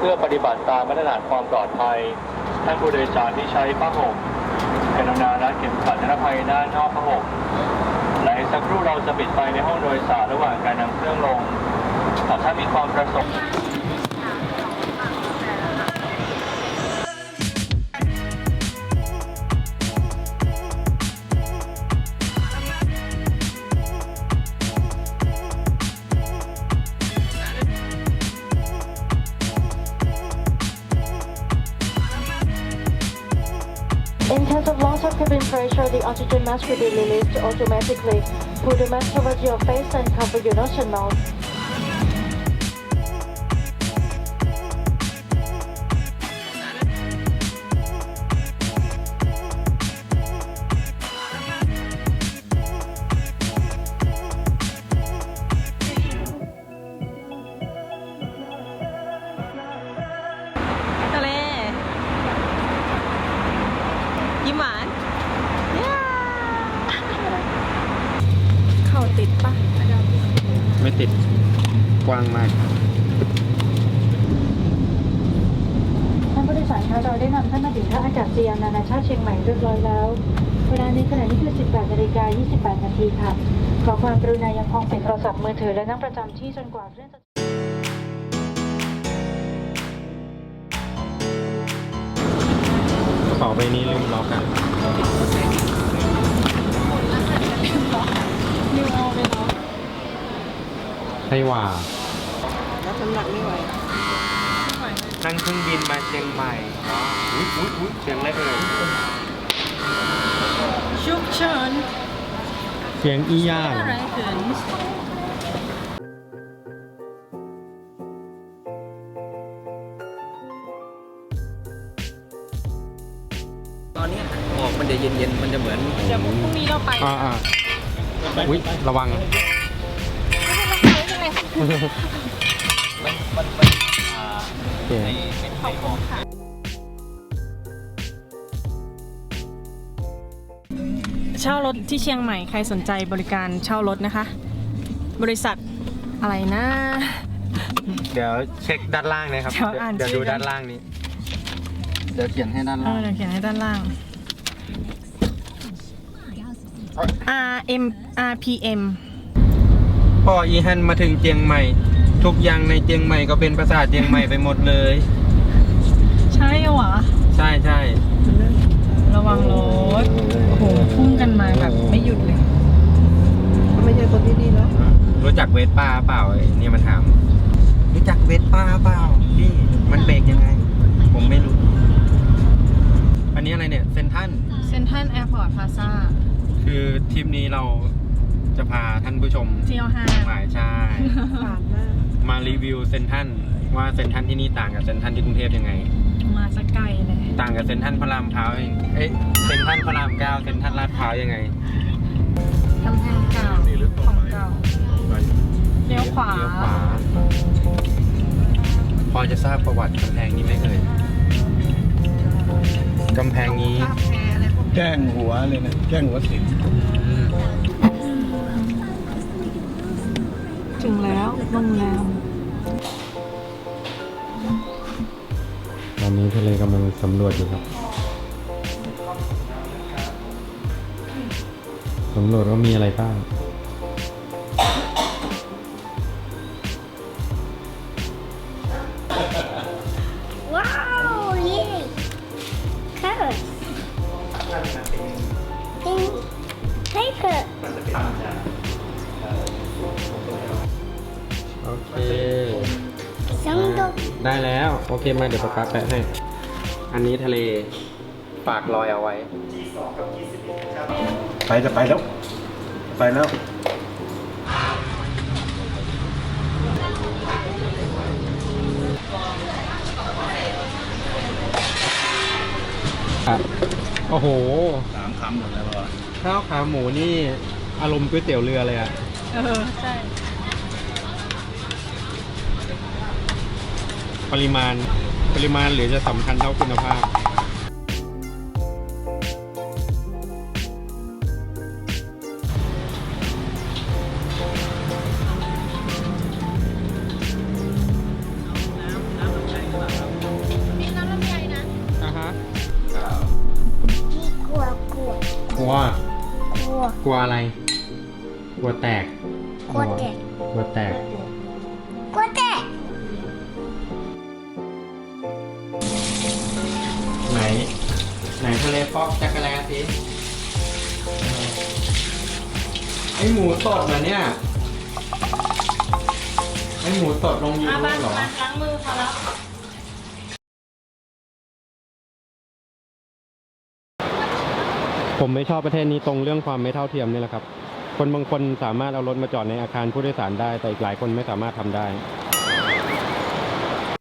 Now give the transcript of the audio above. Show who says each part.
Speaker 1: พื่อปฏิบัติตามมาตรฐานความปลอดภัยท่านผู้โดยสารที่ใช้ผ้าห่มกรุณารัดเข็มขัดนิรภัยด้านนอกผ้าห่มและอีกสักครู่เราจะปิดไฟในห้องโดยสารระหว่างการนำเครื่องลงหากท่านมีความประสงค์
Speaker 2: In case of loss of cabin pressure, the oxygen mask will be released automatically. Put the mask over your face and cover your nose and mouth.
Speaker 3: ทะเลยิ้มหวานเข่าติดปะ
Speaker 4: ไม่ติดกว้างมาก
Speaker 2: ท่านผู้โดยสารคะเราได้นำท่านมาถึงท่าอากาศยานนานาชาติเชียงใหม่เรียบร้อยแล้ว เวลาในขณะนี้คือ 18:28 นาทีค่ะ ขอความกรุณายังคงปิดโทรศัพท์มือถือและนั่งประจำที่จนกว่าเครื่องจะ
Speaker 4: กระเป๋าใบนี้ลืมล็อกอ่ะ
Speaker 3: นิวเอาไปเนาะ
Speaker 4: ให้ว่า
Speaker 3: รับน้ำหนักไม่ไหว
Speaker 4: นั่งเครื่องบินมาเชียงใหม่อุ้ยเสียงอะไรเอ่ย
Speaker 3: ชุกเฉิน
Speaker 4: เสียงอีย่าง
Speaker 3: อะไรเขิน
Speaker 5: ตอนนี้หมอกมันจะเย็นๆ มันจะเหมือน
Speaker 3: เดี๋ยวพรุ่งนี้เราไป
Speaker 4: อ่าอุ้ยระวัง
Speaker 3: ไม่เป็นไร
Speaker 4: โอเค
Speaker 3: ขอบคุณค่ะเช่ารถที่เชียงใหม่ใครสนใจบริการเช่ารถนะคะ บริษัทอะไรนะ
Speaker 4: เดี๋ยวเช็คด้านล่างนะครับ
Speaker 3: เดี๋ยวอ่าน
Speaker 4: เดี๋ยว
Speaker 3: ชื่
Speaker 4: ดู
Speaker 3: อ
Speaker 4: ด้านล่างนี้
Speaker 5: เดี๋ยวเขียนให้ด้านล่าง
Speaker 3: เดี๋ยวเขียนให้ด้านล่าง RPM
Speaker 4: พออีฮันมาถึงเจียงใหม่ ทุกอย่างในเจียงใหม่ก็เป็นภาษาเจียงใหม่ไปหมดเลย
Speaker 3: ใช่เหรอ
Speaker 4: ใช่ใช่
Speaker 3: ระวังรถ โอ้โห พุ่งกันมาแบบไม่หยุดเลย
Speaker 6: ไม่ใช่คนที่นี่เนาะ
Speaker 4: รู้จักเวสป้าเปล่าไอ้เนี่ยมันถาม รู้จักเวสป้าเปล่าพี่มันเบรกยังไง ผมไม่รู้ อันนี้อะไรเนี่ยเซนทัน
Speaker 3: เซ็นทรัลแอร์พอร์ตพลาซ่า
Speaker 4: คือทริปนี้เราจะพาท่านผู้ชม
Speaker 3: เที่ยวห้าง
Speaker 4: หมายใช่
Speaker 6: ผ่านมาก
Speaker 4: มารีวิวเซนทันว่าเซนทันที่นี่ต่างกับเซนทันที่กรุงเทพยังไง
Speaker 3: มาสักไกลเลย
Speaker 4: ต่างกับเซนทันพระรามพร้าวเองเอ๊ะเซนทันพระรามเก้าเซนทันลาดพร้าวยังไง
Speaker 3: กำแพงเก่าของเก่า เลี้ยวขวา
Speaker 4: เลี้ยวขวา พอจะทราบประวัติกำแพงนี้ไหมเอ่ยกำแพงนี้
Speaker 5: แจ้งหัวเลยนะ แจ้งหัวสิง
Speaker 3: ถึงแล้วโรงแรม
Speaker 4: ตอนนี้ทะเลกำลังสำรวจอยู่ครับสำรวจว่ามีอะไรบ้าง
Speaker 7: Wow, yay! Carrots. And paper.
Speaker 4: โอเค
Speaker 7: Sandok.
Speaker 4: ได้แล้ว โอเคมาเดี๋ยวป๊าแปะให้ อันนี้ทะเลฝากรอยเอาไว้
Speaker 5: ไปจะไปแล้ว ไปแล้ว
Speaker 4: โอ้โห
Speaker 5: 3 คำหมดแล้วเหรอ
Speaker 4: ข้าวขาหมูนี่อารมณ์ก๋วยเตี๋ยวเรือเลยอะ
Speaker 3: ใช่
Speaker 4: ปริมาณหรือจะสำคัญเท่าคุณภาพลัว
Speaker 7: กลัว
Speaker 4: กลัวอะไร กลัวแตก
Speaker 7: กลัวแตก
Speaker 4: กลัวแตก
Speaker 7: กลัวแตก
Speaker 4: ไหน ไหนทะเลฟอกจักรแลสิไอหมูตดเหรอเนี่ย ไอหมูตดลงยูทูบเหรอ
Speaker 3: ล้างมือพอแล้ว
Speaker 4: ผมไม่ชอบประเทศนี้ตรงเรื่องความไม่เท่าเทียมนี่แหละครับ คนบางคนสามารถเอารถมาจอดในอาคารผู้โดยสารได้ แต่อีกหลายคนไม่สามารถทำได้